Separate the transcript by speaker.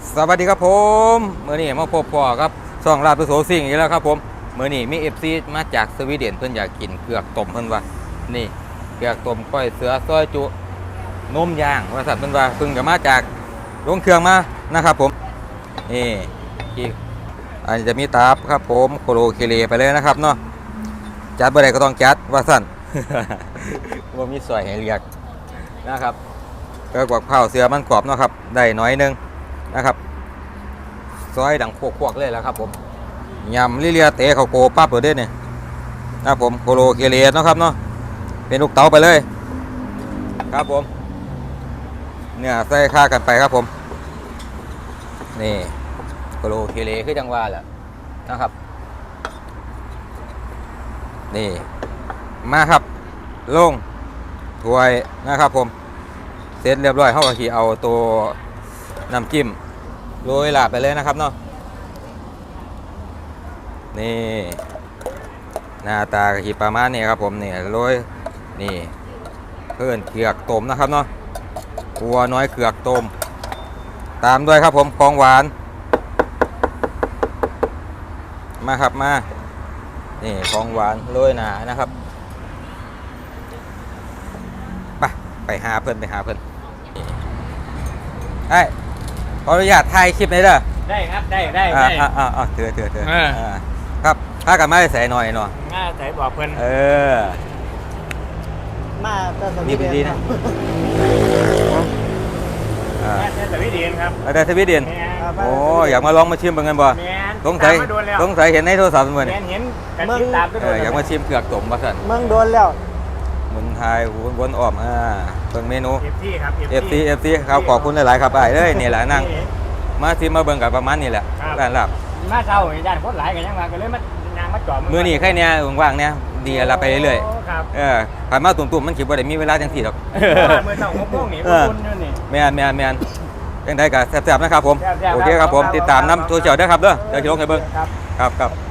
Speaker 1: สวัสดีครับผมเมื่อนี้มาพบพ่อครับช่องลาดประโสสิ่งอีกแล้วครับผมเมื่อนี้มีFCมาจากสวีเดนเพิ่นอยากกินเผือกต้มเพิ่นว่านี่เผือกต้มก้อยเสือซอยจุนมย่างว่าสัตว์เพิ่นว่าเพิ่งก็มาจากโรงเครื่องมานะครับผมนี่ที่อันนี้จะมีตาบครับผมโคโลเคเลไปเลยนะครับเนาะจัดบ่ได้ก็ต้องจัดว่าสั่น ว่ามีซอยให้เรียกนะครับก็กว่าข้าวเสือมันกรอบเนาะครับได้น้อยนึงนะครับซอยดังพวกๆเลยแล้วครับผมยำลิเลียเตะเขาโกปั๊บเลยเด้เนี่ยนะครับผมโคโลเคเลสนะครับเนาะเป็นลูกเต๋าไปเลยครับผมเนี่ยใส่ค่ากันไปครับผมนี่โคโลเคเลคือจังหวะแหละนะครับนี่มาครับลงถ้วยนะครับผมเสร็จเรียบร้อยเขาก็ขี่เอาตัวน้ำจิ้มโรยลาบไปเลยนะครับเนาะนี่หน้าตากะทิประมาณนี้ครับผมนี่โรยนี่เพิ่นเผือกต้มนะครับเนาะวัวน้อยเผือกต้มตามด้วยครับผมของหวานมาครับมานี่ของหวานโรยหนานะครับไปหาเพิ่นไอ้ขออนุญาตถ่ายคลิปหน่อยเด้อ
Speaker 2: ได้ครับได้
Speaker 1: เถื่อครับถ้ากันไม่ใส่หน่อยเนาะ
Speaker 2: ง่าใส่บอกเพิ่น
Speaker 3: มาแต่สวี
Speaker 1: ดีนะ
Speaker 2: แต่สวีเดนครับ
Speaker 1: แต่สวีเดนโอ้อยากมาลองมาชิมเป็นไงบ่สงสัยเห็นในโทรศัพท์เหมือน
Speaker 2: เห็นกันติดตามไป
Speaker 1: อยากมาชิมเผือกต้มมาสั่น
Speaker 3: เมืองโดนแล้ว
Speaker 1: เมืองไทยวนอ้อมเบิ่งเมนู
Speaker 2: FC
Speaker 1: ครับขอบคุณหลายๆครับไอ้เอ้ยนี่แหละนั่งมาชิมมาเบิ่งกับประมาณนี้แหละร้านลาบ
Speaker 2: มาเช้าย่านคนหลายกันยังว่าก็เลยมายางมาจอด
Speaker 1: มื้อนี้แค่เนี้ยว่างๆเนี่ยดีละไปเรื่อย
Speaker 2: ๆครับ
Speaker 1: ผ่านมาตุ่มๆมันคิดบ่ได้มีเวลาจังซี่ดอก
Speaker 2: มื้อเช้า6 โมงนี่คุณอยู่นี่
Speaker 1: แม่นจังได๋ก็แซ่บๆนะครับผมโอเคครับผมติดตามนำโซเชียลด้วยครับเด้อเดี๋ยวสิลงให้เบิ่งครับ